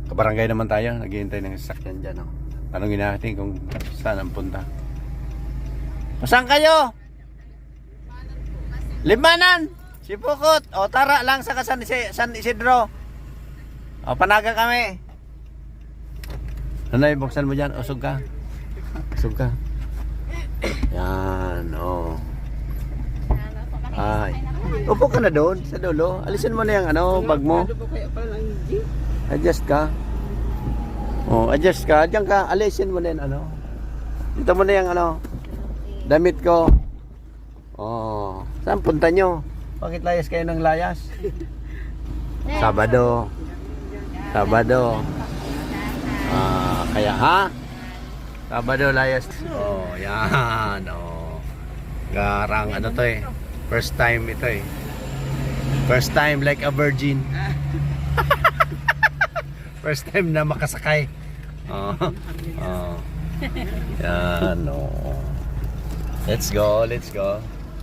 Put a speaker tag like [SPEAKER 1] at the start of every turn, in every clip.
[SPEAKER 1] Kabarangay naman tayo, naghihintay ng sasakyan dyan. Oh. Tanungin natin kung saan ang punta. Saan kayo? Limanan! Sipukot! O tara lang sa San Isidro. O panaga kami. Nanay, buksan mo dyan. Usog ka. Usog ka. Yan, o. Ay. Upo ka na doon, sa dulo. Alisin mo na yung bag mo. Adjust ka. Oh, adjust ka. Diyan ka. Alisin mo na yung Dito mo na yung damit ko. Oh. Saan punta nyo? Bakit layas kayo ng layas? Sabado. Sabado. Kaya ha? Sabado layas. Oh, yan. Oh. Garang to eh. First time ito eh. First time like a virgin. First time na makasakay. Oh. Oh. Yan, oh. Let's go, let's go.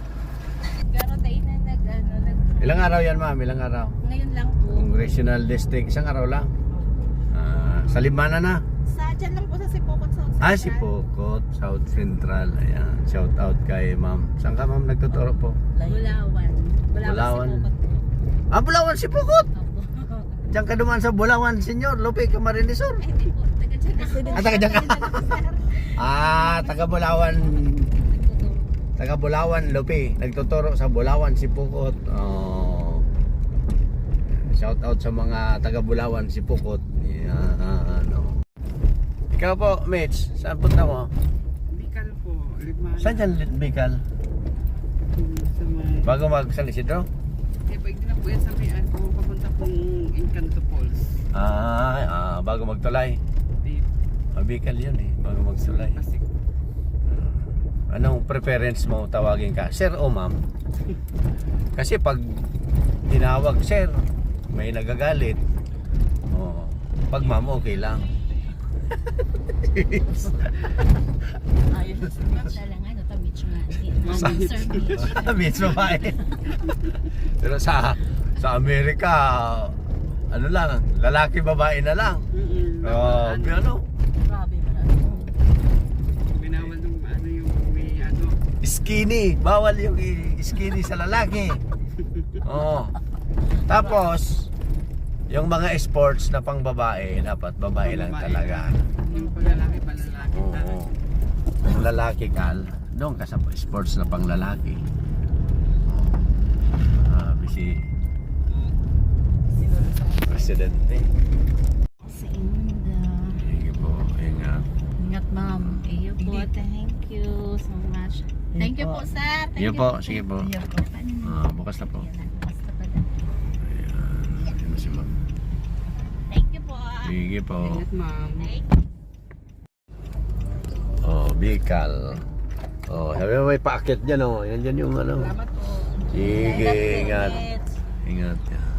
[SPEAKER 1] Ilang araw yan, ma'am? Ilang araw?
[SPEAKER 2] Ngayon lang po.
[SPEAKER 1] Congressional District. Isang araw lang. Sa Libana na.
[SPEAKER 2] Dyan lang po sa Sipokot, South Central.
[SPEAKER 1] Sipokot, South Central. Ayan. Shout out kay ma'am. Saan ka, ma'am, nagtuturo po?
[SPEAKER 2] Bulawan.
[SPEAKER 1] Bulawan.
[SPEAKER 2] Sipokot.
[SPEAKER 1] Bulawan, Sipokot!
[SPEAKER 2] Opo.
[SPEAKER 1] Diyan ka duman sa Bulawan, Senyor Lupe Camarinesor.
[SPEAKER 2] Hindi po. Taga-dyan ako.
[SPEAKER 1] Taga-dyan ka. Taga Bulawan. Taga Bulawan, Lupe. Nagtuturo sa Bulawan, Sipokot. Oh. Shout out sa mga taga Bulawan, Sipokot. Yan, Ikaw po, Mitch, saan punta mo?
[SPEAKER 3] Bicol po, Limanan.
[SPEAKER 1] Saan dyan, Bicol?
[SPEAKER 3] Sa may...
[SPEAKER 1] Bago mag-San Isidro?
[SPEAKER 3] Pwede na po yan sa may kung papunta pong Encanto Falls.
[SPEAKER 1] Bago magtulay. Bicol yun eh, bago magtulay.
[SPEAKER 3] Pasig.
[SPEAKER 1] Anong preference mo tawagin ka? Sir o ma'am? Kasi pag tinawag sir, may nagagalit. Oh, pag ma'am, okay lang.
[SPEAKER 2] Ayun. Lang Beach nga. Sir Beach.
[SPEAKER 1] Beach babae. Pero sa Amerika, lang, lalaki babae na lang.
[SPEAKER 2] Grabe man.
[SPEAKER 3] Binawal nung yung may
[SPEAKER 1] Skinny, bawal yung skinny sa lalaki. Oh. Tapos yung mga sports na pang babae, dapat babae lang talaga.
[SPEAKER 3] Yung paglalaki, palalaki.
[SPEAKER 1] Oo. Kung lalaki ka, doon ka sa sports na pang lalaki. Busy Presidente.
[SPEAKER 2] Sa Inda.
[SPEAKER 1] Sige po, ingat.
[SPEAKER 2] Ingat ma'am. Iyo po. Thank you so much. Thank you po sir.
[SPEAKER 1] Sige po, sige po. Bukas na po.
[SPEAKER 2] Basta pa na.
[SPEAKER 1] Ayan, yun na si ma'am.
[SPEAKER 2] Thank you po.
[SPEAKER 1] Sige po.
[SPEAKER 3] Ingat, ma'am.
[SPEAKER 1] Oh, Bicol. Oh, sabi mo may paakit dyan oh. Yan dyan yung
[SPEAKER 3] Salamat po.
[SPEAKER 1] Sige, ingat. Ingat yan.